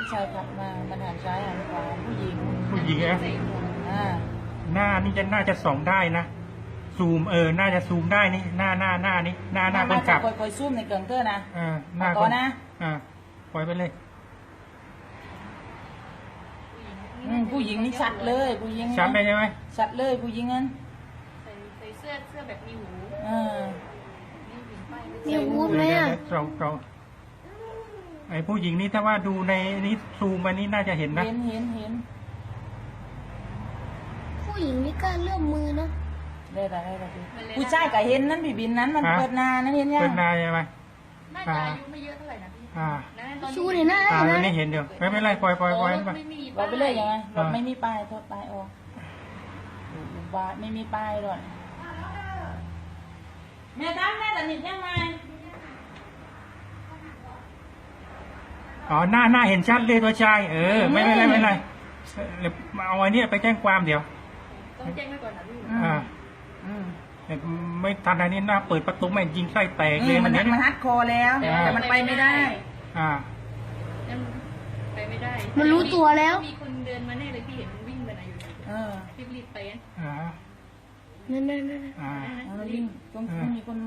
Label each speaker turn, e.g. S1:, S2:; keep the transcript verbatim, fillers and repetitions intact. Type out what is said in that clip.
S1: ชายขับมามันหันซ้ายหันขวาผู้หญิง
S2: ผู้หญิงนะ
S1: อ่า
S2: หน้านี่จะน่าจะส่องได้นะซูมเออน่าจะซูมได้นี่หน้าหน้าหน้านี่หน้าหน้าคนขับ
S1: คอยคอยซูมในเกิงเตอร์นะ
S2: อ่าหน้า
S1: ก่อนนะ
S2: อ่าปล่อยไปเลย
S1: อืมผู้หญิงนี่ชัดเลยผู้หญิง
S2: ชัดได้ใช่ไหม
S1: ชัดเลยผู้หญิงนั้น
S3: ใส่ใส่เสื้อเสื้อแบบมีหู
S1: เออ
S3: นี่หญิงไป
S4: มีวูดไหมอ่ะ
S2: เราเราไอ้ผู้หญิงนี่ถ้าว่าดูในนี้ซูมมานี่น่าจะเห็นนะ
S1: เห็นเห็นเห็น
S4: ผู้หญิงนี่กล้าเลื่อมมือนะ
S1: ได้ได้ได้ได้ผู้ชายก็เห็นนั้นพี่บินนั้นมันเปิดนานั้นเห็นยัง
S2: เป็นนายใช่ไหม
S3: น่าจะอายุไม่เยอะเท่าไหร่นะพี่
S2: อ่า
S3: นะตอน
S4: ชู
S3: นี้
S4: เห็นหน้า
S2: อ่า
S4: ได้
S2: อัน
S4: ไหม
S2: นี้เห็นเดี๋ยวไม่เป็นไรปล่อยปล่อยปล่อยไป
S3: ไม่มี
S1: เราไปเลยยังไงเรา
S2: อ่า
S1: ไม่มีป้ายโทษป้ายออกบ้านไม่มีป้ายด้วยแม่ตั้งแม่ตัดนิดยังไง
S2: อ๋อหน้าหน้าเห็นชัดเลยตัวชายเออไม่เป็นไรไม่เป็นไรเดี๋ยวเอาไอ้นี่ไปแจ้งความเดี๋ยว
S3: ต้องแจ้งไว้ก่อนนะพี่
S2: อ่า
S1: อืม
S2: เดี๋ยวไม่ทันอันนี้หน้าเปิดประตูไม่ยิงไส้แตก
S1: อื
S2: เลย
S1: มมัน
S2: เนี้ย
S1: มันฮัดคอแล้ว
S2: อ่า
S1: แต่มันไปไม่ได้
S2: อ่า
S3: ยังไปไม่ได้
S4: มันรู้ตัวแล้ว
S3: มีคนเดินมาแน่เลยพี่เห็นมันวิ่งไปไหนอยู่
S1: เออ
S3: รีบรีบๆไปนะ
S2: อ่า
S4: นั่นนั่นนั่น
S2: อ่า
S1: เอาแล้ววิ่งต้องต้องมีคน